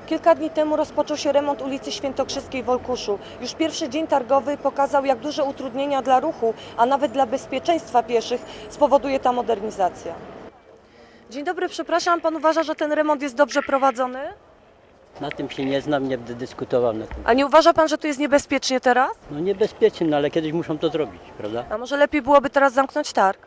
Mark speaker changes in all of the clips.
Speaker 1: Kilka dni temu rozpoczął się remont ulicy Świętokrzyskiej w Olkuszu. Już pierwszy dzień targowy pokazał, jak duże utrudnienia dla ruchu, a nawet dla bezpieczeństwa pieszych spowoduje ta modernizacja. Dzień dobry, przepraszam, pan uważa, że ten remont jest dobrze prowadzony?
Speaker 2: Na tym się nie znam, nie będę dyskutował na tym.
Speaker 1: A nie uważa pan, że tu jest niebezpiecznie teraz?
Speaker 2: No niebezpiecznie, no ale kiedyś muszą to zrobić, prawda?
Speaker 1: A może lepiej byłoby teraz zamknąć targ?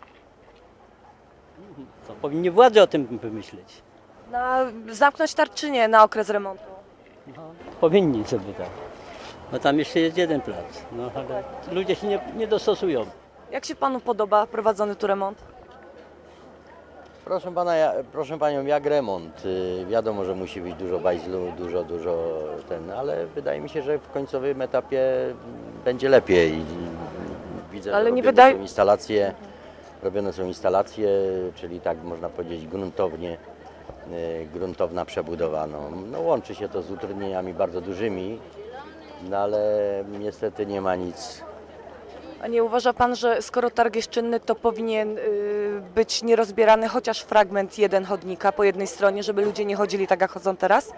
Speaker 2: To powinni władze o tym pomyśleć.
Speaker 1: Zamknąć targ czy nie na okres remontu?
Speaker 2: No, powinni sobie tak. No tam jeszcze jest jeden plac, no ale ludzie się nie dostosują.
Speaker 1: Jak się panu podoba prowadzony tu remont?
Speaker 3: Proszę pana, proszę panią, jak remont? Wiadomo, że musi być dużo bajzlu, dużo ale wydaje mi się, że w końcowym etapie będzie lepiej. Widzę,
Speaker 1: Ale
Speaker 3: że
Speaker 1: nie
Speaker 3: robione są instalacje, czyli tak można powiedzieć gruntowna przebudowa. No, łączy się to z utrudnieniami bardzo dużymi, no ale niestety nie ma nic.
Speaker 1: A nie uważa pan, że skoro targ jest czynny, to powinien być nierozbierany chociaż fragment jeden chodnika po jednej stronie, żeby ludzie nie chodzili tak, jak chodzą teraz?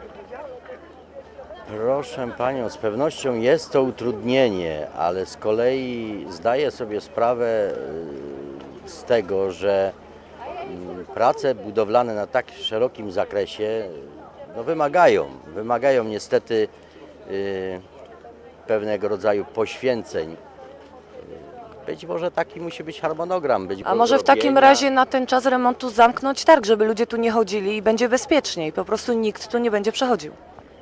Speaker 3: Proszę panią, z pewnością jest to utrudnienie, ale z kolei zdaję sobie sprawę z tego, że prace budowlane na tak szerokim zakresie no wymagają niestety pewnego rodzaju poświęceń. Być może taki musi być harmonogram.
Speaker 1: A może w takim razie na ten czas remontu zamknąć targ, żeby ludzie tu nie chodzili i będzie bezpieczniej, po prostu nikt tu nie będzie przechodził.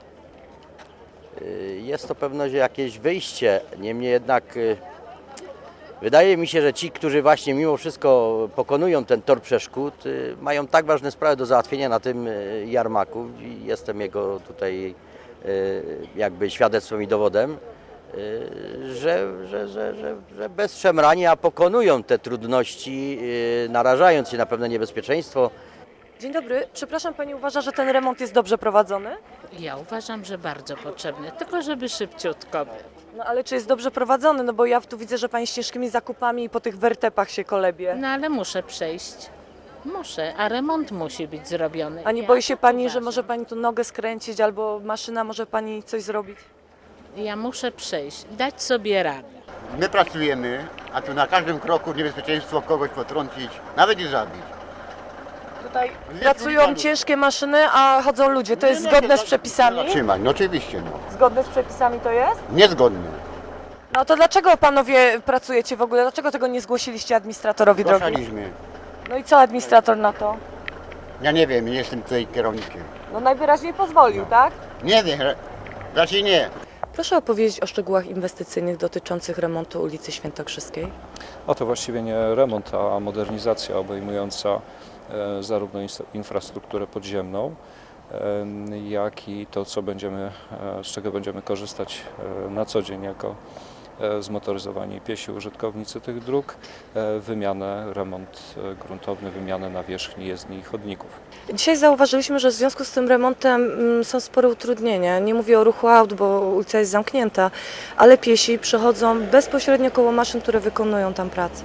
Speaker 3: Jest to pewno jakieś wyjście, niemniej jednak wydaje mi się, że ci, którzy właśnie mimo wszystko pokonują ten tor przeszkód, mają tak ważne sprawy do załatwienia na tym jarmarku i jestem jego tutaj jakby świadectwem i dowodem, że bez szemrania pokonują te trudności, narażając się na pewne niebezpieczeństwo.
Speaker 1: Dzień dobry, przepraszam, pani uważa, że ten remont jest dobrze prowadzony?
Speaker 4: Ja uważam, że bardzo potrzebny, tylko żeby szybciutko był.
Speaker 1: No ale czy jest dobrze prowadzony? No bo ja tu widzę, że pani z ciężkimi zakupami i po tych wertepach się kolebie.
Speaker 4: No ale muszę przejść. Muszę, a remont musi być zrobiony.
Speaker 1: A nie boi się pani, że może pani tu nogę skręcić albo maszyna może pani coś zrobić?
Speaker 4: Ja muszę przejść, dać sobie radę.
Speaker 5: My pracujemy, a tu na każdym kroku niebezpieczeństwo kogoś potrącić, nawet i zabić.
Speaker 1: Tutaj pracują ciężkie maszyny, a chodzą ludzie. To jest zgodne z przepisami?
Speaker 5: Zatrzymać, no oczywiście, no.
Speaker 1: Zgodne z przepisami to jest?
Speaker 5: Niezgodnie.
Speaker 1: No to dlaczego panowie pracujecie w ogóle? Dlaczego tego nie zgłosiliście administratorowi drogi?
Speaker 5: Zgłaszaliśmy.
Speaker 1: No i co administrator na to?
Speaker 5: Ja nie wiem, nie jestem tutaj kierownikiem.
Speaker 1: No najwyraźniej pozwolił, tak?
Speaker 5: Nie wiem, raczej nie.
Speaker 1: Proszę opowiedzieć o szczegółach inwestycyjnych dotyczących remontu ulicy Świętokrzyskiej.
Speaker 6: A to właściwie nie remont, a modernizacja obejmująca zarówno infrastrukturę podziemną, jak i to, z czego będziemy korzystać na co dzień jako zmotoryzowani piesi użytkownicy tych dróg, remont gruntowny, wymianę nawierzchni jezdni i chodników.
Speaker 1: Dzisiaj zauważyliśmy, że w związku z tym remontem są spore utrudnienia. Nie mówię o ruchu aut, bo ulica jest zamknięta, ale piesi przechodzą bezpośrednio koło maszyn, które wykonują tam pracę.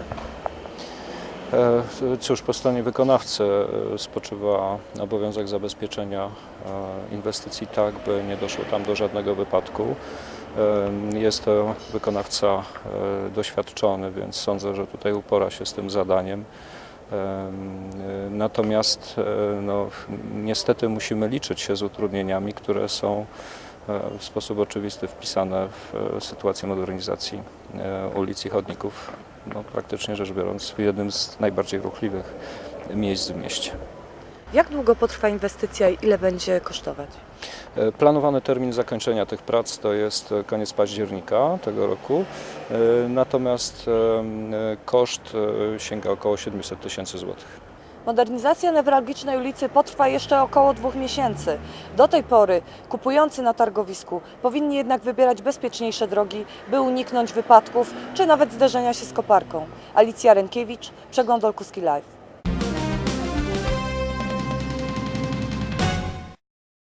Speaker 6: Cóż, po stronie wykonawcy spoczywa obowiązek zabezpieczenia inwestycji tak, by nie doszło tam do żadnego wypadku. Jest to wykonawca doświadczony, więc sądzę, że tutaj upora się z tym zadaniem. Natomiast no, niestety musimy liczyć się z utrudnieniami, które są w sposób oczywisty wpisane w sytuację modernizacji ulic i chodników, no, praktycznie rzecz biorąc w jednym z najbardziej ruchliwych miejsc w mieście.
Speaker 1: Jak długo potrwa inwestycja i ile będzie kosztować?
Speaker 6: Planowany termin zakończenia tych prac to jest koniec października tego roku, natomiast koszt sięga około 700 tysięcy złotych.
Speaker 1: Modernizacja newralgicznej ulicy potrwa jeszcze około 2 miesięcy. Do tej pory kupujący na targowisku powinni jednak wybierać bezpieczniejsze drogi, by uniknąć wypadków czy nawet zderzenia się z koparką. Alicja Rękiewicz, Przegląd Olkuski Live.